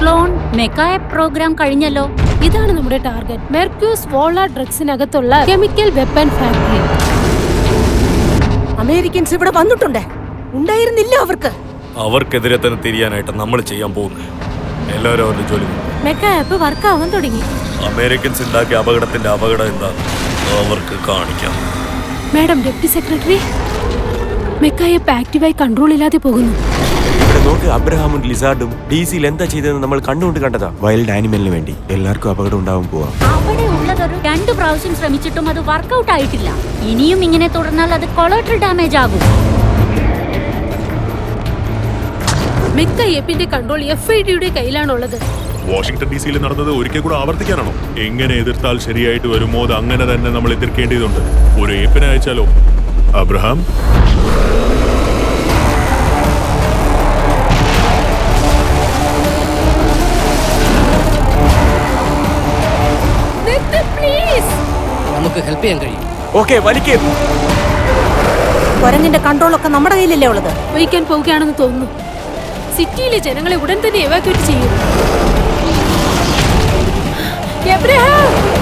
Clone മെക്കായ programme കഴിഞ്ഞല്ലോ. ഇതാണ് നമ്മുടെ ടാർഗറ്റ്. മെർക്യൂസ് വോള ഡ്രഗ്സിനകത്തുള്ള കെമിക്കൽ വെപ്പൺ ഫാക്ടറി. അമേരിക്കൻസ് ഇവിടെ വന്നിട്ടുണ്ട്. ഉണ്ടായിരുന്നില്ല അവർക്കെതിരെ തന്നെ തിരിയാനായിട്ട് നമ്മൾ ചെയ്യാൻ പോകുന്നത്. എല്ലാവരും അവരുടെ ജോലി. മെക്കാ ആപ്പ് വർക്ക് ആവാൻ തുടങ്ങി. അമേരിക്കൻസ് ഉണ്ടാക്കിയ അപകടത്തിന്റെ അപകടം എന്താണ് അവർക്ക് കാണിക്കാം. മാഡം ഡെപ്യൂട്ടി സെക്രട്ടറി, മെക്കായ ആപ്പ് ആക്റ്റീവായി കൺട്രോൾ ഇല്ലാതെ പോകുന്നു. ഇവിടെ നോക്ക്, അബ്രഹാമും ലിസാർഡും DC-യിൽ എന്താ ചെയ്തതെന്ന് നമ്മൾ കണ്ടുകൊണ്ട് കണ്ടതാ. വൈൽഡ് ആനിമലിന് വേണ്ടി എല്ലാവർക്കും അപകടം ഉണ്ടാവും പോവാം. അവിടെ ഉള്ളതൊരു 2 പ്രാവശ്യം ശ്രമിച്ചിട്ടും അത് വർക്കൗട്ട് ആയിട്ടില്ല. ഇനിയും ഇങ്ങനെ തുടർന്നാൽ അത് കൊളാറ്ററൽ ഡാമേജ് ആകും. മെക്ക ആപ്പിന്റെ കൺട്രോൾ FIDയുടെ കയ്യിലാണുള്ളത്. വാഷിംഗ്ടൺ DC-യിൽ നടന്നത് ഒരിക്കൽ കൂടെ ആവർത്തിക്കാനാണോ? എങ്ങനെ എതിർത്താൽ ശരിയായിട്ട് വരുമോ അത് അങ്ങനെ തന്നെ നമ്മൾ എതിർക്കേണ്ടതുണ്ട്. ഒരു ഏപ്പിനെ അയച്ചാലോ? അബ്രഹാം, നമുക്ക് ഹെൽപ്പ് ചെയ്യാൻ കഴിയും. ഓക്കെ, വലിക്കേ. കുരങ്ങിന്റെ കൺട്രോളൊക്കെ നമ്മുടെ കയ്യിലല്ലേ ഉള്ളത്. വഹിക്കാൻ പോവുകയാണെന്ന് തോന്നുന്നു. സിറ്റിയിലെ ജനങ്ങളെ ഉടൻ തന്നെ എവാക്യുവേറ്റ് ചെയ്യും. എബ്രഹാം!